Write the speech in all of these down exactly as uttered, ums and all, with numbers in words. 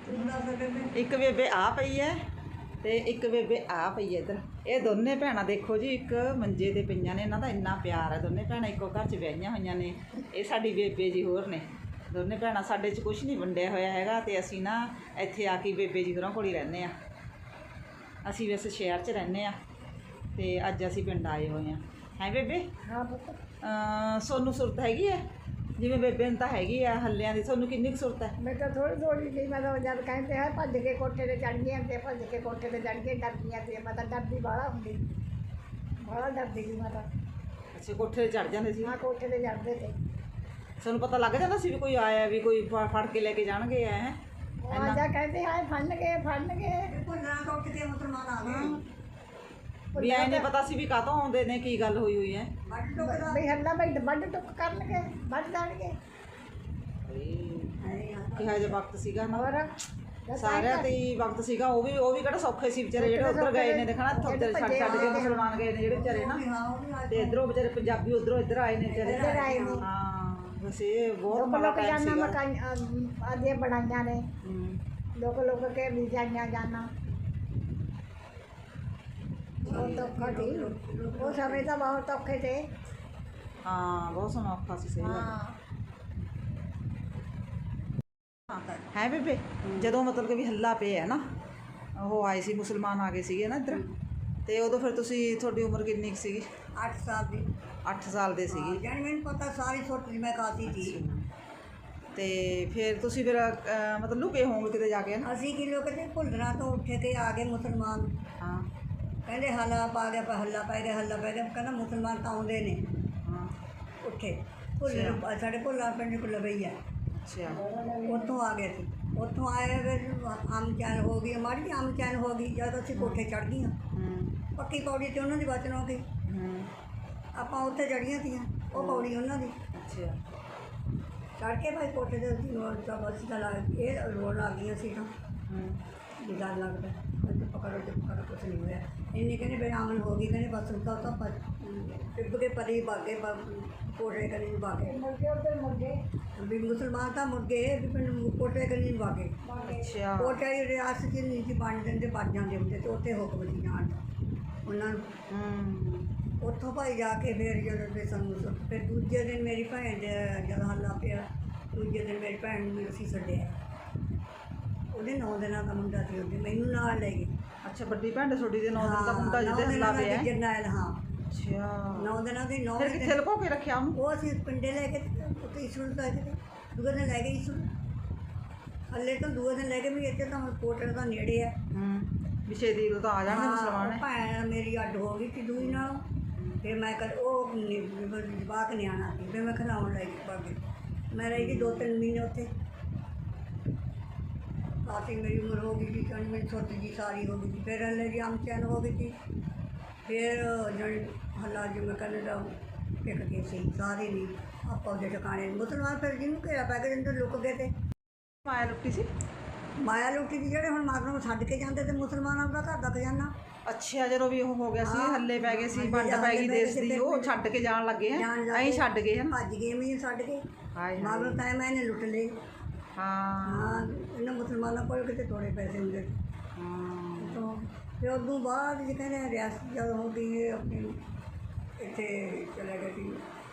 ਇੱਕ ਬੇਬੇ ਆ ਪਈ ਹੈ ਤੇ ਇੱਕ ਬੇਬੇ ਆ ਪਈ ਹੈ ਇੱਧਰ। ਇਹ ਦੋਨੇ ਭੈਣਾਂ ਦੇਖੋ ਜੀ, ਇੱਕ ਮੰਜੇ ਤੇ ਪਈਆਂ ਨੇ। ਇਹਨਾਂ ਦਾ ਇੰਨਾ ਪਿਆਰ ਹੈ। ਦੋਨੇ ਭੈਣਾਂ ਇੱਕੋ ਘਰ 'ਚ ਵਿਆਹੀਆਂ ਹੋਈਆਂ ਨੇ। ਇਹ ਸਾਡੀ ਬੇਬੇ ਜੀ ਹੋਰ ਨੇ ਦੋਨੇ ਭੈਣਾਂ। ਸਾਡੇ 'ਚ ਕੁਛ ਨਹੀਂ ਵੰਡਿਆ ਹੋਇਆ ਹੈਗਾ ਤੇ ਅਸੀਂ ਨਾ ਇੱਥੇ ਆ ਕੇ ਬੇਬੇ ਜੀ ਹੋਰਾਂ ਕੋਲ ਹੀ ਰਹਿੰਦੇ ਹਾਂ। ਅਸੀਂ ਵੈਸੇ ਸ਼ਹਿਰ 'ਚ ਰਹਿੰਦੇ ਹਾਂ ਤੇ ਅੱਜ ਅਸੀਂ ਪਿੰਡ ਆਏ ਹੋਏ ਹਾਂ। ਹੈ ਬੇਬੇ? ਹਾਂ ਪੁੱਤ। ਸੋਨੂੰ ਸੁਰਤ ਹੈਗੀ ਹੈ ਜਿਵੇਂ ਬੇਬੇ ਨੂੰ ਤਾਂ ਹੈਗੀ ਆ ਹੱਲਿਆਂ ਦੀ। ਤੁਹਾਨੂੰ ਕਿੰਨੀ ਕੁ ਸੁਰਤ ਹੈ? ਮੈਂ ਤਾਂ ਥੋੜੀ ਥੋੜੀ ਜਿਹੀ, ਮੈਂ ਤਾਂ ਜਦ ਕਹਿੰਦੇ ਹੈ ਭੱਜ ਕੇ ਕੋਠੇ 'ਤੇ ਚੜ੍ਹ ਗਈਆਂ ਤੇ ਭੱਜ ਕੇ ਕੋਠੇ 'ਤੇ ਚੜ੍ਹ ਕੇ ਡਰਦੀਆਂ ਤੇ ਮੈਂ ਤਾਂ ਡਰਦੀ ਬਾਹਲਾ ਹੁੰਦੀ, ਬਾਹਲਾ ਡਰਦੀ ਸੀ ਮੈਂ ਤਾਂ। ਅੱਛਾ, ਕੋਠੇ 'ਤੇ ਚੜ੍ਹ ਜਾਂਦੇ ਸੀ? ਹਾਂ, ਕੋਠੇ 'ਤੇ ਚੜ੍ਹਦੇ ਤੇ। ਤੁਹਾਨੂੰ ਪਤਾ ਲੱਗ ਜਾਂਦਾ ਸੀ ਵੀ ਕੋਈ ਆਇਆ, ਵੀ ਕੋਈ ਫੜ ਕੇ ਲੈ ਕੇ ਜਾਣਗੇ? ਹੈ ਆ ਜਾ ਕਹਿੰਦੇ ਆਏ ਫੜਨਗੇ ਫੜਨਗੇ ਭੁੱਲਣਾ ਟੁੱਟ ਕੇ ਮੁਸਲਮਾਨ ਆ ਗਏ। ਵੀ ਐ ਨਹੀਂ ਪਤਾ ਸੀ ਵੀ ਕਾਹਤੋਂ ਆਉਂਦੇ ਨੇ, ਕੀ ਗੱਲ ਹੋਈ ਹੋਈ ਹੈ। ਵੱਡ ਟੁੱਕਦਾ ਵੀ ਹੱਲਾ ਬਈ ਵੱਢ ਟੁੱਕ ਕਰਨਗੇ, ਵੱਢ ਜਾਣਗੇ। ਕਿਹਾ ਜਿਹਾ ਵਕਤ ਸੀਗਾ ਨਾ, ਹੋਰ ਸਾਰਿਆਂ ਤੇ ਹੀ ਵਕਤ ਸੀਗਾ। ਉਹ ਵੀ ਉਹ ਵੀ ਕਿਹੜਾ ਸੌਖੇ ਸੀ ਵਿਚਾਰੇ, ਜਿਹੜੇ ਉੱਧਰ ਗਏ ਨੇ ਦੇਖਣਾ, ਉੱਧਰ ਛੱਡ ਛੱਡ ਕੇ ਮੁਸਲਮਾਨ ਗਏ ਨੇ ਜਿਹੜੇ ਵਿਚਾਰੇ ਨਾ, ਤੇ ਇੱਧਰੋਂ ਵਿਚਾਰੇ ਪੰਜਾਬੀ ਉੱਧਰੋਂ ਇੱਧਰ ਆਏ ਨੇ ਵਿਚਾਰੇ। ਇੱਧਰ ਆਏ ਨੇ। ਹਾਂ, ਬਸ ਇਹ ਬਹੁਤ ਲੋਕ ਮਾੜਾ ਲੋਕ ਟਾਈਮ ਜਾਨਾ ਸੀਗਾ। ਮਕਾਨ ਆਦੀਆਂ ਬਣਾਈਆਂ ਨੇ, ਹੂੰ। ਲੋਕ ਲੋਕ ਕੇ ਵੀ ਜਾਈਆਂ ਜਾਣਾ ਬਹੁਤ ਔਖਾ ਸੀ। ਉਹ ਸਮੇਂ ਤਾਂ ਬਹੁਤ ਔਖੇ ਥੇ। ਹਾਂ, ਬਹੁਤ ਸਮਾਂ ਔਖਾ ਸੀ, ਸਹੀ ਗੱਲ ਹਾਂ ਹੈ ਬੇਬੇ। ਜਦੋਂ ਮਤਲਬ ਕਿ ਵੀ ਹੱਲਾ ਪਿਆ ਨਾ, ਉਹ ਆਏ ਸੀ ਮੁਸਲਮਾਨ ਆ ਗਏ ਸੀਗੇ ਨਾ ਇੱਧਰ, ਤੇ ਉਦੋਂ ਫਿਰ ਤੁਸੀਂ, ਤੁਹਾਡੀ ਉਮਰ ਕਿੰਨੀ ਕੁ ਸੀਗੀ? ਅੱਠ ਸਾਲ ਦੀ। ਅੱਠ ਸਾਲ ਦੇ ਸੀਗੇ। ਜਾਣੀ ਮੈਨੂੰ ਪਤਾ ਸਾਰੀ ਸੁੱਟ ਮੈਂ ਖਾਤੀ ਸੀ। ਤੇ ਫਿਰ ਤੁਸੀਂ ਫਿਰ ਅਹ, ਮਤਲਬ ਲੁਕੇ ਹੋਵੋਗੇ ਕਿਤੇ ਜਾ ਕੇ ਨਾ? ਅਸੀਂ ਕੀ ਲੋਕ ਤੇ ਭੁੱਲਣਾ ਤੋਂ ਉੱਠੇ ਕੇ ਆ ਗਏ ਮੁਸਲਮਾਨ। ਹਾਂ ਕਹਿੰਦੇ ਹੱਲਾ ਪਾ ਗਿਆ, ਹੱਲਾ ਪੈ ਗਿਆ, ਹੱਲਾ ਪੈ ਗਿਆ। ਕਹਿੰਦਾ ਮੁਸਲਮਾਨ ਤਾਂ ਆਉਂਦੇ ਨੇ। ਹਾਂ। ਉੱਠੇ ਭੁੱਲ ਸਾਡੇ ਭੁੱਲਾ ਪਿੰਡ ਕੋਲ ਲਵਈ ਆ। ਅੱਛਾ। ਉੱਥੋਂ ਆ ਗਏ ਸੀ। ਉੱਥੋਂ ਆਏ ਫਿਰ ਆਮ ਚੈਨ ਹੋ ਗਈ, ਮਾੜੀ ਜਿਹੀ ਆਮ ਚੈਨ ਹੋ ਗਈ ਜਦ ਅਸੀਂ ਕੋਠੇ ਚੜ੍ਹ ਗਈਆਂ। ਹੂੰ ਪੱਕੀ ਪੌੜੀ ਤੇ ਉਹਨਾਂ ਦੀ ਬਚਨ ਹੋ ਗਈ। ਹੂੰ। ਆਪਾਂ ਉੱਥੇ ਚੜ੍ਹੀਆਂ ਤੀਆਂ, ਉਹ ਪੌੜੀ ਉਹਨਾਂ ਦੀ। ਅੱਛਾ। ਚੜ੍ਹ ਕੇ ਭਾਈ ਕੋਠੇ ਦੇ ਅਸੀਂ ਰੋਡ ਦਾ ਬੱਸ ਦਾ ਲਾ ਇਹ ਰੋਡ ਆ ਗਈਆਂ ਸੀ ਤਾਂ ਹੂੰ। ਵੀ ਡਰ ਲੱਗਦਾ। ਅੱਜ ਪਕੜੋ ਤੇ ਪਕੜੋ, ਕੁਛ ਨਹੀਂ ਹੋਇਆ। ਇੰਨੀ ਕਹਿੰਦੇ ਬੇਆਮਨ ਹੋ ਗਈ। ਕਹਿੰਦੇ ਬਸ ਉਸਦਾ ਤਾਂ ਟਿੱਬ ਕੇ ਪਰੀ ਬਾਗੇ ਕੋਠੇ ਕਰੀ ਬਾਗੇ ਮੁਰਗੇ ਉੱਧਰ ਮੁਰਗੇ ਵੀ ਮੁਸਲਮਾਨ ਤਾਂ ਮੁਰਗੇ ਵੀ ਪਿੰਡ ਕੋਠੇ ਕਰੀ ਬਾਗੇ। ਅੱਛਾ। ਕੋਠੇ ਦੀ ਰਿਆਸਤ 'ਚ ਨਹੀਂ ਸੀ ਬਣ ਜਾਂਦੇ, ਬਣ ਜਾਂਦੇ ਹੁੰਦੇ ਤੇ ਉੱਥੇ ਹੁਕਮ ਸੀ ਜਾਣ ਦਾ ਉਹਨਾਂ ਨੂੰ। ਹੂੰ। ਉੱਥੋਂ ਭਾਈ ਜਾ ਕੇ ਫਿਰ ਜਦੋਂ ਤੇ ਸਾਨੂੰ ਫਿਰ ਦੂਜੇ ਦਿਨ ਮੇਰੀ ਭੈਣ ਦੇ ਜਦ ਹੱਲਾ ਪਿਆ, ਦੂਜੇ ਦਿਨ ਮੇਰੀ ਭੈਣ ਨੂੰ ਅਸੀਂ ਛੱਡਿਆ। ਉਹਦੇ ਨੌ ਦਿਨਾਂ ਦਾ ਮੁੰਡਾ ਸੀ, ਉਹਦੇ ਮੈਨੂੰ ਨਾਲ ਲੈ ਗਏ। ਅੱਛਾ, ਵੱਡੀ ਭੈਣ ਤੁਹਾਡੀ ਦੇ ਨੌ ਦਿਨ ਦਾ ਮੁੰਡਾ ਜਿਹਦੇ ਹੱਲਾ ਪਿਆ? ਜਰਨੈਲ। ਹਾਂ। ਅੱਛਾ। ਨੌ ਦਿਨਾਂ ਦੀ ਨੌ ਫਿਰ ਕਿੱਥੇ ਲੁਕੋ ਕੇ ਰੱਖਿਆ ਉਹਨੂੰ? ਉਹ ਅਸੀਂ ਪਿੰਡੇ ਲੈ ਕੇ ਉੱਥੇ ਇਸੂਲ ਲੈ ਕੇ ਦੂਏ ਦਿਨ ਲੈ ਗਏ ਇਸੂਲ। ਹੱਲੇ ਤੋਂ ਦੂਏ ਦਿਨ ਲੈ ਕੇ ਵੀ ਇੱਥੇ ਤਾਂ ਕੋਟਰ ਦਾ ਨੇੜੇ ਹੈ। ਹੂੰ। ਵੀ ਛੇਤੀ ਤਾਂ ਆ ਜਾਣਗੇ ਮੁਸਲਮਾਨ। ਭੈਣ ਮੇਰੀ ਅੱਡ ਹੋ ਗਈ ਸੀ ਦੂਈ ਨਾਲ। ਫਿਰ ਮੈਂ ਕਰ ਉਹ ਜਵਾਕ ਨਿਆਣਾ ਸੀ, ਫਿਰ ਮੈਂ ਖਿਲਾਉਣ ਲੈ ਗਈ ਬਾਗੇ। ਮੈਂ ਰਹੀ ਗਈ ਦੋ ਤਿੰਨ ਮਹੀਨੇ ਉੱਥੇ। ਕਾਫੀ ਮੇਰੀ ਉਮਰ ਹੋ ਗਈ ਸੀ, ਕਹਿੰਦੀ ਮੇਰੀ ਛੋਟੀ ਜੀ ਸਾਰੀ ਹੋ ਗਈ ਸੀ। ਫਿਰ ਹੱਲੇ ਜੀ ਆਮ ਚੈਨ ਹੋ ਗਈ ਸੀ। ਫਿਰ ਜਿਹੜੀ ਹੱਲਾ ਜੀ ਮੈਂ ਕਹਿੰਦੇ ਦਾ ਟਿਕ ਗਏ ਸੀ ਸਾਰੇ ਨਹੀਂ ਆਪਾਂ ਉਹਦੇ ਟਿਕਾਣੇ। ਮੁਸਲਮਾਨ ਫਿਰ ਜਿਹਨੂੰ ਘੇਰਾ ਪੈ ਕੇ ਅੰਦਰ ਲੁੱਕ ਗਏ ਤੇ ਮਾਇਆ ਲੁੱਟੀ ਸੀ? ਮਾਇਆ ਲੁੱਟੀ ਸੀ ਜਿਹੜੇ ਹੁਣ ਮਾਰਨ ਨੂੰ ਛੱਡ ਕੇ ਜਾਂਦੇ ਤੇ ਮੁਸਲਮਾਨਾਂ ਦਾ ਘਰ ਦਾ ਖਜ਼ਾਨਾ। ਅੱਛਾ, ਜਦੋਂ ਵੀ ਉਹ ਹੋ ਗਿਆ ਸੀ, ਹੱਲੇ ਪੈ ਗਏ ਸੀ, ਵੰਡ ਪੈ ਗਈ ਦੇਸ਼ ਦੀ, ਉਹ ਛੱਡ ਕੇ ਜਾਣ ਲੱਗੇ ਆ, ਐਂ ਛੱਡ ਗਏ ਹਨ। ਭੱਜ ਗਏ ਵੀ ਛੱਡ ਕੇ। ਹਾਏ ਮਾਰਨ ਟਾਈਮ ਇਹਨੇ ਲੁੱਟ ਲਏ। ਹਾਂ ਹਾਂ, ਇਹਨਾਂ ਮੁਸਲਮਾਨਾਂ ਕੋਲ ਕਿਤੇ ਥੋੜ੍ਹੇ ਪੈਸੇ ਹੁੰਦੇ। ਹਾਂ। ਤੋਂ ਫਿਰ ਉਦੋਂ ਬਾਅਦ ਜੇ ਕਹਿੰਦੇ ਰਿਆਸਤ ਜਦ ਹੋ ਗਈ ਇਹ ਆਪਣੀ ਇੱਥੇ ਚਲੇ ਗਏ ਸੀ।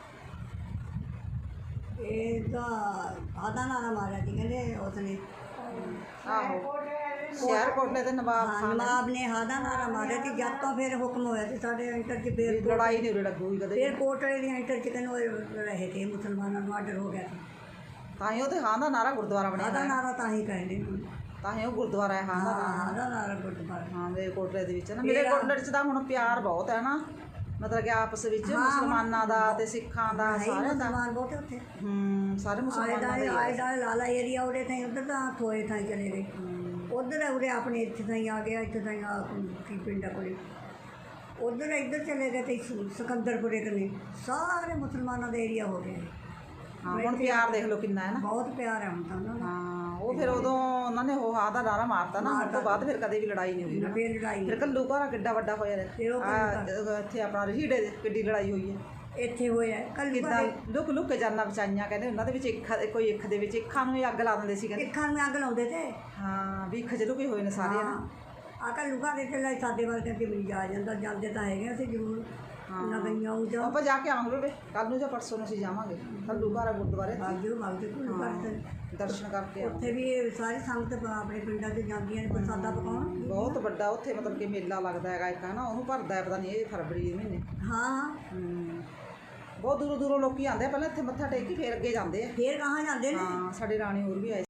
ਇਹਦਾ ਆਦਾ ਨਾਰਾ ਮਾਰਿਆ ਸੀ ਕਹਿੰਦੇ ਉਸਨੇ। ਆਹੋ, ਸ਼ਹਿਰ ਕੋਟਲੇ ਤੇ ਨਵਾਬ ਹਾਂ, ਖਾਨ ਨਵਾਬ ਨੇ ਹਾਦਾ ਨਾਰਾ ਮਾਰਿਆ ਸੀ। ਜਦ ਤੋਂ ਫਿਰ ਹੁਕਮ ਹੋਇਆ ਸੀ ਸਾਡੇ ਇੰਟਰ 'ਚ। ਫਿਰ ਲੜਾਈ ਨਹੀਂ ਉਰੇ ਲੱਗੂਗੀ ਕਦੇ। ਫਿਰ ਕੋਟਲੇ ਦੀ ਇੰਟਰ 'ਚ ਕਹਿੰਦੇ ਰਹੇ ਤੇ ਮੁਸਲਮਾਨਾਂ ਨੂੰ ਆਰਡਰ ਹੋ ਗਿਆ ਸੀ। ਤਾਂ ਹੀ ਉਹ ਤੇ ਹਾਂ ਦਾ ਨਾਰਾ ਗੁਰਦੁਆਰਾ ਬਣਿਆ ਹਾਦਾ ਨਾਰਾ ਤਾਂ ਹੀ ਕਹਿੰਦੇ ਹੁਣ। ਤਾਂ ਹੀ ਉਹ ਗੁਰਦੁਆਰਾ ਹੈ ਹਾਂ ਦਾ ਨਾਰਾ। ਹਾਦਾ ਨਾਰਾ ਗੁਰਦੁਆਰਾ। ਹਾਂ, ਮੇਰੇ ਕੋਟਲੇ ਦੇ ਵਿੱਚ ਨਾ, ਮੇਰੇ ਕੋਟਲੇ 'ਚ ਤਾਂ ਹੁਣ ਪਿਆਰ ਬਹੁਤ ਹੈ ਨਾ, ਮਤਲਬ ਕਿ ਆਪਸ ਵਿੱਚ ਮੁਸਲਮਾਨਾਂ ਦਾ ਤੇ ਸਿੱਖਾਂ ਦਾ ਸਾਰਿਆਂ ਦਾ। ਮੁਸਲਮਾਨ ਬਹੁਤ ਉੱਥੇ। ਹੂੰ, ਸਾਰੇ ਮੁਸਲਮਾਨਾਂ ਦੇ। ਆਏ ਦਾ ਲਾਲਾ ਏਰੀਆ ਉਹਦੇ ਥਾਈ ਉੱਧਰ ਤਾਂ ਥੋਏ ਥਾਈ ਚਲੇ ਗਏ। ਉੱਧਰ ਉਰੇ ਆਪਣੇ ਇੱਥੇ ਤਾਈਂ ਆ ਗਿਆ, ਇੱਥੇ ਤਾਈਂ ਆ ਕੀ ਪਿੰਡਾਂ ਕੋਲੇ। ਉੱਧਰ ਇੱਧਰ ਚਲੇ ਗਏ ਤੇ ਸਿਕੰਦਰਪੁਰੇ ਕਨੇ ਸਾਰੇ ਮੁਸਲਮਾਨਾਂ ਦਾ ਏਰੀਆ ਹੋ ਗਿਆ। ਹਾਂ, ਹੁਣ ਪਿਆਰ ਦੇਖ ਲਓ ਕਿੰਨਾ ਹੈ ਨਾ। ਬਹੁਤ ਪਿਆਰ ਹੈ ਹੁਣ ਤਾਂ ਉਹਨਾਂ ਦਾ। ਹਾਂ, ਉਹ ਫਿਰ ਉਦੋਂ ਉਹਨਾਂ ਨੇ ਉਹ ਹਾਂ ਦਾ ਨਾਰਾ ਮਾਰਤਾ ਨਾ, ਉਸ ਤੋਂ ਬਾਅਦ ਫਿਰ ਕਦੇ ਵੀ ਲੜਾਈ ਨਹੀਂ ਹੋਈ। ਫਿਰ ਲੜਾਈ ਫਿਰ ਕੱਲੂ ਘਰ ਕਿੱਡਾ ਵੱਡਾ ਹੋਇਆ ਰਿਹਾ। ਫਿਰ ਉਹ ਆ ਇੱਥੇ ਆਪਣਾ ਰਹੀੜੇ ਦੇ ਕਿੱਡੀ ਲੜਾਈ ਹੋਈ ਹੈ। ਇੱਥੇ ਹੋਇਆ ਕੱਲੂ ਕਿੱਦਾਂ ਲੁਕ ਲੁਕ ਕੇ ਜਾਨਾਂ ਬਚਾਈਆਂ ਕਹਿੰਦੇ ਉਹਨਾਂ ਦੇ ਵਿੱਚ ਇੱਕ ਕੋਈ ਇੱਕ ਦੇ ਵਿੱਚ ਅੱਖਾਂ ਨੂੰ ਹੀ ਅੱਗ ਲਾ ਦਿੰਦੇ ਸੀ ਕਹਿੰਦੇ। ਇੱਖਾਂ ਨੂੰ ਅੱਗ ਲਾਉਂਦੇ ਤੇ ਹਾਂ ਵੀ ਖਜਲੂ ਕੇ ਹੋਏ ਨੇ ਸਾਰੇ ਨਾ। ਆ ਕੱਲੂ ਘਰ ਦੇ ਲੈ ਸਾਡੇ ਵਰਗੇ ਤੇ ਵੀ ਜਾ ਜਾਂਦਾ, ਜਾਂਦੇ ਤਾਂ ਹੈਗੇ ਅਸੀਂ ਜ਼ਰੂਰ ਨਾ ਗਈਆਂ ਉਹ ਜਾ ਆਪਾਂ ਜਾ ਕੇ ਆਵਾਂਗੇ ਬੇ ਕੱਲ ਨੂੰ ਜਾਂ ਪਰਸੋਂ ਨੂੰ ਅਸੀਂ ਜਾਵਾਂਗੇ ਕੱਲੂ ਘਰ ਗੁਰਦੁਆਰੇ ਬਾਜੂ ਬਾਜੂ ਕੋਲ ਕਰਦੇ ਦਰਸ਼ਨ ਕਰਕੇ ਆਵਾਂਗੇ। ਉੱਥੇ ਵੀ ਸਾਰੀ ਸੰਗਤ ਆਪਣੇ ਪਿੰਡਾਂ 'ਚ ਜਾਂਦੀਆਂ ਨੇ ਪ੍ਰਸਾਦਾ ਪਕਾਉਣ। ਬਹੁਤ ਵੱਡਾ ਉੱਥੇ ਮਤਲਬ ਕਿ ਮੇਲਾ ਲੱਗਦਾ ਹੈਗਾ ਇੱਕ ਹੈ ਨਾ, ਉਹਨੂੰ ਭਰਦਾ ਹੈ ਪਤਾ ਨਹੀਂ ਇਹ ਫਰਵਰੀ ਦੇ ਮਹੀਨੇ। ਹਾਂ ਹੂੰ ਬਹੁਤ ਦੂਰੋਂ ਦੂਰੋਂ ਲੋਕੀ ਆਉਂਦੇ ਆ, ਪਹਿਲਾਂ ਇੱਥੇ ਮੱਥਾ ਟੇਕ ਕੇ ਫੇਰ ਅੱਗੇ ਜਾਂਦੇ ਆ। ਫੇਰ ਕਹਾਂ ਜਾਂਦੇ ਨੇ। ਹਾਂ ਸਾਡੇ ਰਾਣੀ ਹੋਰ ਵੀ ਆਏ